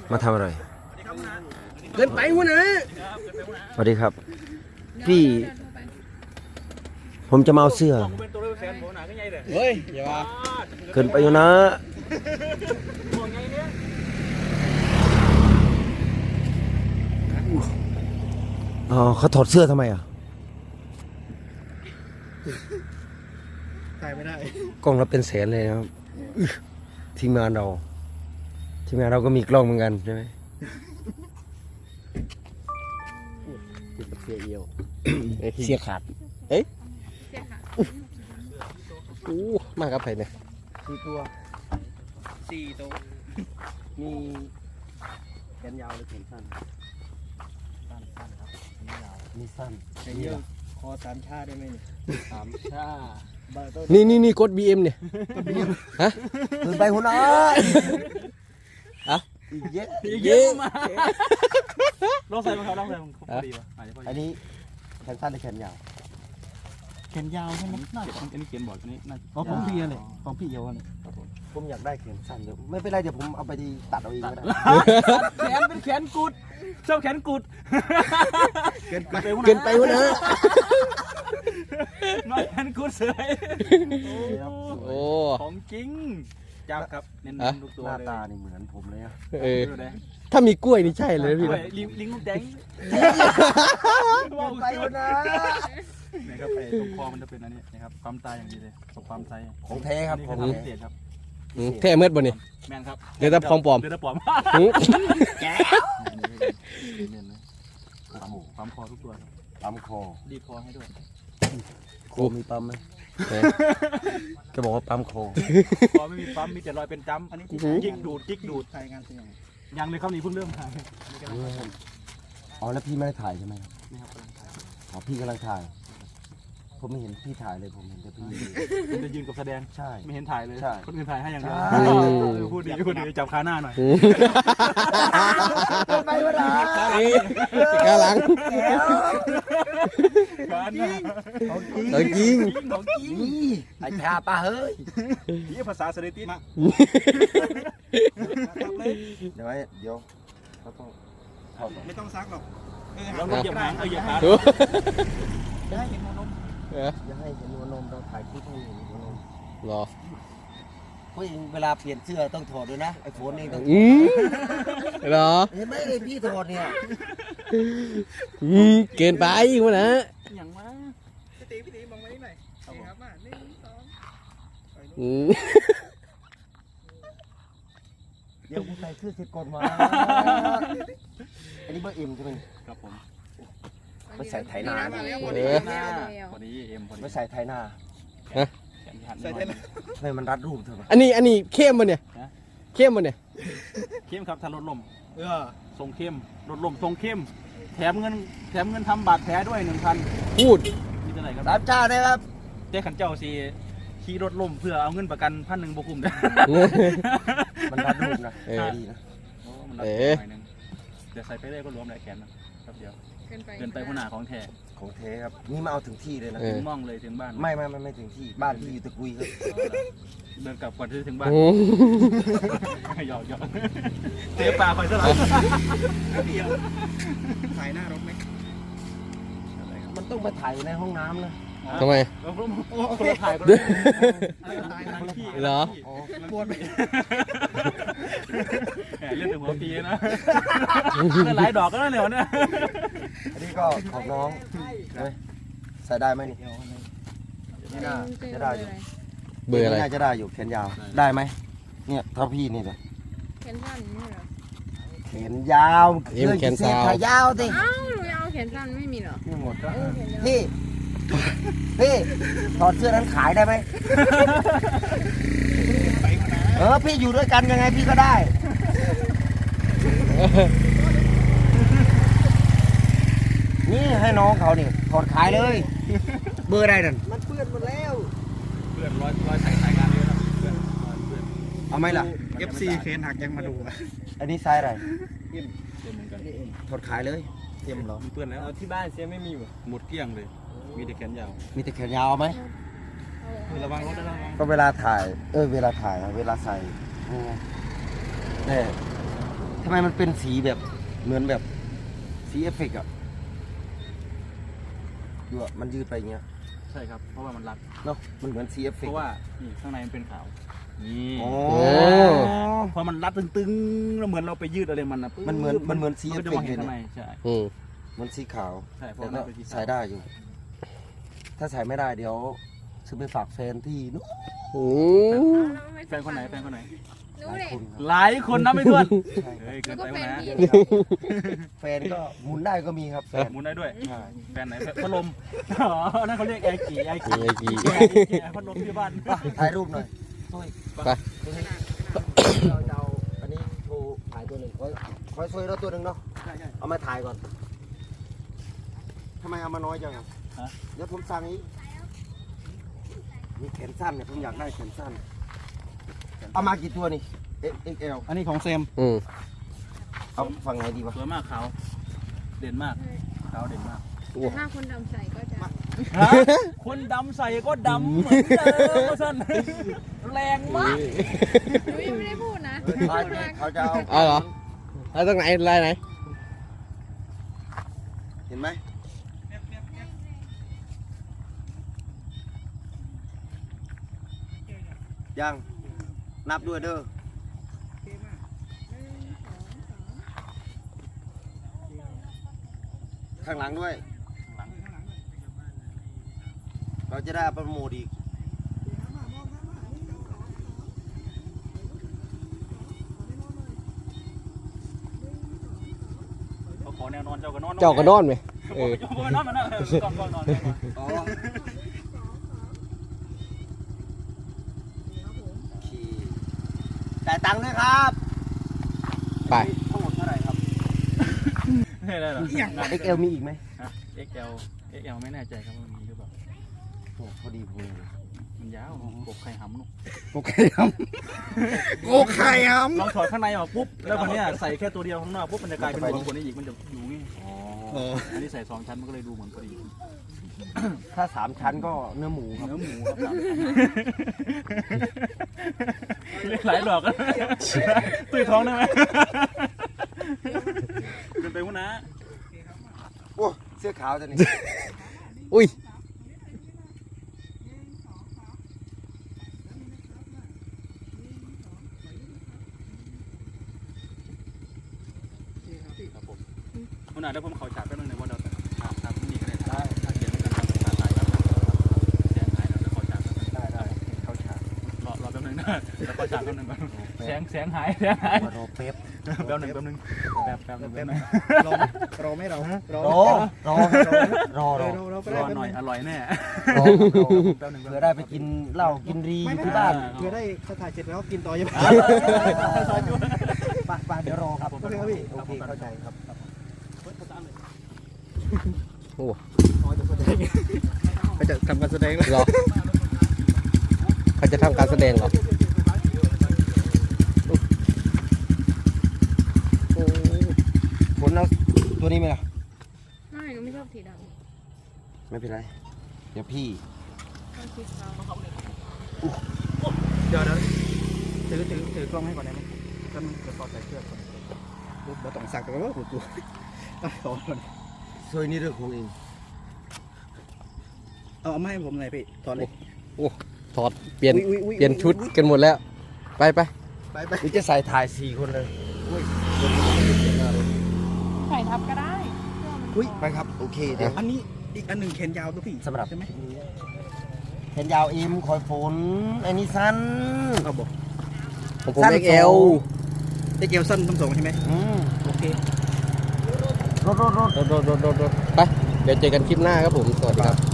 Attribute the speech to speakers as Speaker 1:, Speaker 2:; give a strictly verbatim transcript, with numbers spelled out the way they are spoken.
Speaker 1: มาทำอะไร
Speaker 2: เกินไปวะนะ
Speaker 1: สวัสดีครับพี่ผมจะมาเอาเสื้อ
Speaker 2: เฮ้ยอย่ามา
Speaker 1: เกินไปอยู่นะอ๋อเขาถอดเสื้อทำไมอ่ะ
Speaker 2: ถ่ายไม่ได้
Speaker 1: กล้องเราเป็นแสนเลยนะครับทีมงานเราทีมงานเราก็มีกล้องเหมือนกันใช่ไหม
Speaker 2: เสียเอียว
Speaker 1: เสียขาดเอ๊ะโอ้มากครับไผ่เนี่ย
Speaker 2: สี่ตัวสี่ตัวมีแขนยาวหรือแขนสั้นสั้นสั้นครับแขนยาวมีสั้นแขนยาวคอสามชาได้ไหมเนี่ยสามชา
Speaker 1: นี่นี่นี่กดบีเอ็มเนี่ยกดบีเอ็มฮะตื่นไปหัวหน้าอะอีกเยอะ
Speaker 2: อีกเยอะมาลองใส่มาเขาลองใส่มันครบดีป่ะ
Speaker 1: อันนี้แขนสั้นหรือแขนยาว
Speaker 2: แขนยาวใช่ไหมน่าจะอันนี้เขียนบอร์ดอันนี้น่าอ๋อของพี่เลยของพี่เยาวเลย
Speaker 1: ผมอยากได้แขนสั้นเดี๋ยวไม่เป็นไรเดี๋ยวผมเอาไปตัดเอาเองก็ได้
Speaker 2: แขนเป็นแขนกุดชอบแขนกุด
Speaker 1: เกินไปเกินไปวะนะ
Speaker 2: น้อยแขนกุดเสย
Speaker 1: โอ้
Speaker 2: ของจริงจับครับเน้นลูกตัว
Speaker 1: หน้าตานี่เหมือนผมเลยอะ
Speaker 2: ถ้า
Speaker 1: มีกล้วยนี่ใช่เลยพี่
Speaker 2: ลิงลิงลูกแดง
Speaker 1: ไปวะนะ
Speaker 2: นะครับไปตรงคอมันจะเป็นอันนี้นะครับความตายอย่างนี้เลยตกความตาย
Speaker 1: ของแท้ครับของ
Speaker 2: แท้ครับ
Speaker 1: แท้เมื่อบ่นี่
Speaker 2: แมนครับ
Speaker 1: เดี๋ยวจะพองปลอม
Speaker 2: เดี๋ยวจะปลอมแก้วความคอทุกตัว
Speaker 1: ปั๊มคอ
Speaker 2: ดีคอให้ด้วย
Speaker 1: โคมีปั๊มไหมก็บอกว่าปั๊มคอ
Speaker 2: คอไม่มีปั๊มมีแต่รอยเป็นจ้ำอันนี้กิ๊กดูดกิ๊กดูดถ่ายงานเสียงยังเลยครับนี่เพิ่งเริ่มถ่าย
Speaker 1: อ๋อแล้วพี่ไม่ได้ถ่ายใช่ไหมครับไม่ครับอ๋อพี่กำลังถ่ายผมไม่เห็นพี่ถ่ายเลยผมเห็นแต่พี่
Speaker 2: มันจะยืนกับแสดง
Speaker 1: ใช่
Speaker 2: ไม่เห็นถ่ายเลยคนอื่นถ่ายให้อย่างเดียวพูดดีพูดดีจับขาหน้าหน่อย
Speaker 1: ไปวะนะขาหลังของจริง
Speaker 2: ของจริง
Speaker 1: ไอ้ชาป้าเฮ้ย
Speaker 2: นี่ภาษาสถิติมา
Speaker 1: เดี๋ยวเดี๋ยวเขาต้อง
Speaker 2: ไม่ต้องซักหรอกเราเหยียบหางเออเหยียบหางอย่าให้เห็นหัวนม
Speaker 1: อย่าให้เห็นหัวนมเราถ่ายคลิปให้เห็นหัวนม
Speaker 2: หรอ
Speaker 1: ผู้หญิงเวลาเปลี่ยนเสื้อต้องถอดด้วยนะไอ้โฟนเองต้อง
Speaker 2: อืมหรอ
Speaker 1: เห็นไหมเลยพี่ถอดเนี่ย
Speaker 2: อืมเกินไปอีกวะนะอย่างมาพี่ตีพี่ตีมองมานี่หน่อยครับมาหนึ่งสอง
Speaker 1: อืมเดี๋ยวกูใส่เสื้อเสร็จก่อนมาอันนี้เบอร์เอ็มใช่ไหม
Speaker 2: ครับผม
Speaker 1: ไม่ใส่ไถนา
Speaker 2: พอดีเอ็ม
Speaker 1: ไม่ใส่ไถนา
Speaker 2: ใส่ไถนา
Speaker 1: ไม่มันรัดรูปเถอะ
Speaker 2: อันนี้อันนี้เข้มมันเนี่ยเข้มมันเนี่ยเข้มครับถ้ารถลมเออทรงเข้มรถลมทรงเข้มแถมเงินแถมเงินทำบาดแผลด้วยหนึ่งพันพูดมีเท่าไหร่ครับ
Speaker 1: สามชาได้ครับ
Speaker 2: เจ๊ขันเจ้าสีขี่รถลมเพื่อเอาเงินประกันพันหนึ่งบวกคุ้มได้
Speaker 1: มันรัดรูปนะเออดีนะ
Speaker 2: เออเดี๋ยวใส่ไปได้ก็รวมหลายแขนนะครับเดี๋ยวเกินไปหัวหน้าของแท้
Speaker 1: ของแท้ครับนี่มาเอาถึงที่เลยนะ
Speaker 2: ถึงม่องเลยถึงบ้าน
Speaker 1: ไม่ไม่ไม่ไม่ถึงที่บ้านที่อยู่ตะกุยครับ
Speaker 2: เดินกลับก่อนที่ถึงบ้านหยอกหยอกเตะปลาไปซะแล้วถ่ายหน้ารถไหม
Speaker 1: มันต้องมาถ่ายในห้องน้ำนะ
Speaker 2: ทำไมคนละถ่ายกันเหรอปวดไปเล่นถึงหัวปีนะหลายดอกก็ได้เหรอเนี่ย
Speaker 1: อันนี้ก็ของน้องใส่ได้ไหมนี่นี่น่าจะได้อยู่เบอร์อะไรน่าจะได้อยู่แขนยาวได้ไหมเนี่ยถ้าพี่นี่เลย
Speaker 3: แขนสั้นนี่เหรอ
Speaker 1: แขนยาว
Speaker 2: แขนสั้น
Speaker 1: ขายาวสิ
Speaker 3: อ้าวหนูยาวแขนสั้นไม่มีเหรอ
Speaker 1: ไม่หมดก็พี่พี่ถอดเสื้อนั้นขายได้ไหมเออพี่อยู่ด้วยกันยังไงพี่ก็ได้นี่ให้น้องเขานี่ถอดขายเลยเบอร์อะไรนั่น
Speaker 2: มันเปื้อนหมดแล้วเปื้อนรอยรอยใส่สายงานเลยนะเปื้อนเปื้อน
Speaker 1: เอาไหมล่ะ
Speaker 2: เอฟ ซี เคนหักยังมาดู
Speaker 1: อันนี้ไซส์อะไร
Speaker 2: เอ็มเอ็มเหมือนกัน
Speaker 1: ถอดขายเลยเต็มเหรอ
Speaker 2: เปื้อนแล้วที่บ้านเสียไม่มีหมดเกลี้ยงเลยมีแต่แขนยาว
Speaker 1: มีแต่แขนยาวไหม
Speaker 2: ระวังรถระวัง
Speaker 1: ก็เวลาถ่ายเออเวลาถ่ายเวลาใส่เนี่ยแททำไมมันเป็นสีแบบเหมือนแบบสีเอฟเฟกต์อะดูอะมันยืดไปอย่างเงี้ย
Speaker 2: ใช่ครับเพราะว่ามันรัด
Speaker 1: เนาะมันเหมือนสีเอฟเฟ
Speaker 2: เพ
Speaker 1: กต์
Speaker 2: ราะว่านี่ข้างในมันเป็นขาวนี่
Speaker 1: โอ้
Speaker 2: พอมันรัดตึงๆแล้วเหมือนเราไปยืดอะไรมันนะ
Speaker 1: มันเหมือนมันเหมือนสี
Speaker 2: มัน
Speaker 1: เอ
Speaker 2: ก็
Speaker 1: ฟ
Speaker 2: จะ
Speaker 1: เฟ
Speaker 2: มอก ง
Speaker 1: ต์
Speaker 2: เห็
Speaker 1: เล
Speaker 2: น
Speaker 1: ย
Speaker 2: ข้างใน
Speaker 1: เนี่ย
Speaker 2: ใช่
Speaker 4: อืม
Speaker 1: เหมันสีขาว
Speaker 2: ใช่เพราะ
Speaker 1: แต่
Speaker 2: มั
Speaker 1: ก็
Speaker 2: นเป็นสีขาว
Speaker 1: ใส่ได้อยู่ ถ้าใส่ไม่ได้เดี๋ยวซื้อไปฝากแฟนที่นู้น
Speaker 4: อืม
Speaker 2: แฟนคนไหนแฟนคนไหน
Speaker 3: รู้
Speaker 1: หลาย
Speaker 3: เลย
Speaker 1: คนครับ
Speaker 2: หลายคนนะไม่ถ้วน
Speaker 1: ใช่
Speaker 2: เฮ้ย
Speaker 3: แล้
Speaker 2: เกิ
Speaker 3: วน ก็
Speaker 2: ไป
Speaker 3: แฟ
Speaker 2: วะ
Speaker 3: น
Speaker 2: นะ
Speaker 3: พี่
Speaker 1: แฟนก็หมุนได้ก็มีครับแฟน
Speaker 2: หมุนได้ด้วย
Speaker 1: ใช่
Speaker 2: แฟนไหนแฟนพัดลมอ๋อนั่นเขาเรียกแอร์กี่แอร์กี่
Speaker 4: ไอ้กี่
Speaker 2: แอร์พัดลมที่บ้าน
Speaker 1: ถ่ายรูปหน่อยช่วย
Speaker 4: ไป
Speaker 1: เราจะเอาอันนี้โชว์ถ่ายตัวหนึ่งคอยคอยช่วยเราตัวหนึ่งเนาะ
Speaker 2: ใช่ใช่
Speaker 1: เอามาถ่ายก่อนทำไมเอามาน้อยจังอะ
Speaker 2: ฮะ
Speaker 1: เดี๋ยวผมสั่งอีกมีแขนสั้นเนี่ยผมอยากได้แขนสั้น เอามากี่ตัวนี่ เอ็กซ์แอล
Speaker 2: อันนี้ของเซม
Speaker 4: อืม
Speaker 1: เอาฝั่งไหนดีวะ
Speaker 2: สวยมากขาวเด่นมากขาวเด่นมาก
Speaker 3: ถ้าคนดำใส่ก็จะ
Speaker 2: ฮะคนดำใส่ก็ดำเหมือนเดิมท่านแรงมาก
Speaker 3: หนูยังไม่ได้พูดนะ
Speaker 1: ถ่ายดิเขาจะเอา
Speaker 4: เอาเหรอเอาตรงไหนลายไหน
Speaker 1: เห็นไหมยัง นับด้วยเด้อ ข้างหลังด้วย เราจะได้โปรโมทอีก
Speaker 2: เขาขอแนวนอนเจ้าก็นอน
Speaker 4: เจ้าก็นอนไหมเออ
Speaker 2: เจ้าก็นอนมานะก่อนก่อนนอน
Speaker 1: อ๋อโอเคจ่ายตังค์ด้วยครับ
Speaker 4: ไป
Speaker 1: ทั้งหมดเท่าไหร่ครับ
Speaker 2: ไม่ได้หรอ
Speaker 1: เอ็กซ์แอล มีอีกไหม
Speaker 2: ฮะ เอ็กซ์ แอล เอ็กซ์ แอล ไม่แน่ใจครับว่ามีหรือเปล่า
Speaker 1: โอ้พอดีพอดี
Speaker 2: มันยาวกบไข่หำนุก
Speaker 1: โอเคครับโอเคครับ
Speaker 2: ลองถอดข้างในออกปุ๊บ แล้วคนนี้ยใส่แค่ตัวเดียวข้างนอกปุ๊บมันจะกลายเป็นหัวคนนี้อีกมันจะอยู่งี้
Speaker 1: อ๋อ
Speaker 2: อันนี้ใส่สองชั้นมันก็เลยดูเหมือนพอดี
Speaker 1: ถ้าสามชั้นก็เนื้อหมูครับ
Speaker 2: เนื้อหมูครับสามชั้นเรียกหลายดอกตุ้ยท้องได้ไหมเกินไปวะนะ
Speaker 1: โอ้เสื้อขาวจะนี่
Speaker 4: อุ้ย
Speaker 2: ครับผมคุณอาจจะผมเขาฉากแป๊บนึงในวันเราแต่ฉากฉากนี่ก็ได้ได้ฉากเดียวกันฉากถ่ายครับเสียงหายแล้วเขาฉากได้ได้เขาฉากรอรอแป๊บนึงนะแล้วก็ฉากแป๊บนึงเสียงเสียงหายเสียงหาย
Speaker 1: รอเป๊ป
Speaker 2: แป๊บนึงแป๊บนึงแป๊บแป๊บนึงแป๊บนึง
Speaker 5: รอรอไม่เรารอ
Speaker 1: รอรอรอรอ
Speaker 5: เราเราก็
Speaker 2: ร
Speaker 5: ได้
Speaker 2: อหน่อยอร่อยแน่
Speaker 1: รอ
Speaker 2: แป๊บนึง
Speaker 1: เผื่อได้ไปกินเหล้ากินรีอยู่ที่บ้าน
Speaker 5: เพื่อได้เขาถ่ายเสร็จแล้วกินต่อยัง
Speaker 1: ไปไปเดี๋ยวรอครับ
Speaker 5: โอเคครับพี่
Speaker 1: โอเคเข้าใจครับ
Speaker 4: โอ้
Speaker 5: ไปจะทำการแสดงแล้ว
Speaker 4: เหรอเขาจะทำการแสดงเหรอโอ้
Speaker 1: ผลเอาตัวนี้ไหมล่ะ
Speaker 3: ไม่หนูไม่ชอบสีด
Speaker 1: ไม่เป็นไร เดี๋ยวพี่
Speaker 3: ำชอบสีขาว
Speaker 5: เดี๋ยวเดี๋ยวถือถือถือกล้องให้ก่อนได้ไหมก็มันจะพอใส่เสื้อก่อนเราต้องสักกันว่าหัวกูต้องขอก่อน
Speaker 1: ซวยนี่เรื่องของเอง
Speaker 5: เอาเอามาให้ผมหน่อยพี่ถอดเลย
Speaker 4: โอ้ถอดเปลี่ยน
Speaker 5: อุ๊ยอุ๊ยอุ๊ย
Speaker 4: เปลี่ยนชุดกันหมดแล้ว ไปไป
Speaker 5: ไปไป
Speaker 1: หรือจะใส่ถ่ายสี่คนเลยอุ้ย
Speaker 3: ใส่ทับก็ได้
Speaker 5: อุ้ย
Speaker 1: ไปครับ โอเคเดี๋ยว
Speaker 5: อันนี้อีกอันหนึ่งแขนยาวตัวพี่
Speaker 1: สำหรับ
Speaker 5: ใช่ไหม
Speaker 1: แขนยาวเอ็มคอยฝนไอ้นี่สั้น
Speaker 5: เอาบอก
Speaker 4: ของผม
Speaker 1: สั้น
Speaker 4: เอ็กซ์แอล
Speaker 5: ได้เกลสั้นทั้งสองใช่ไหม
Speaker 1: อืม
Speaker 5: โอเค
Speaker 1: รถรถรถ
Speaker 4: โดดโดดโดดโดดไป เดี๋ยวเจอกันคลิปหน้าครับผม สวัสดีครับ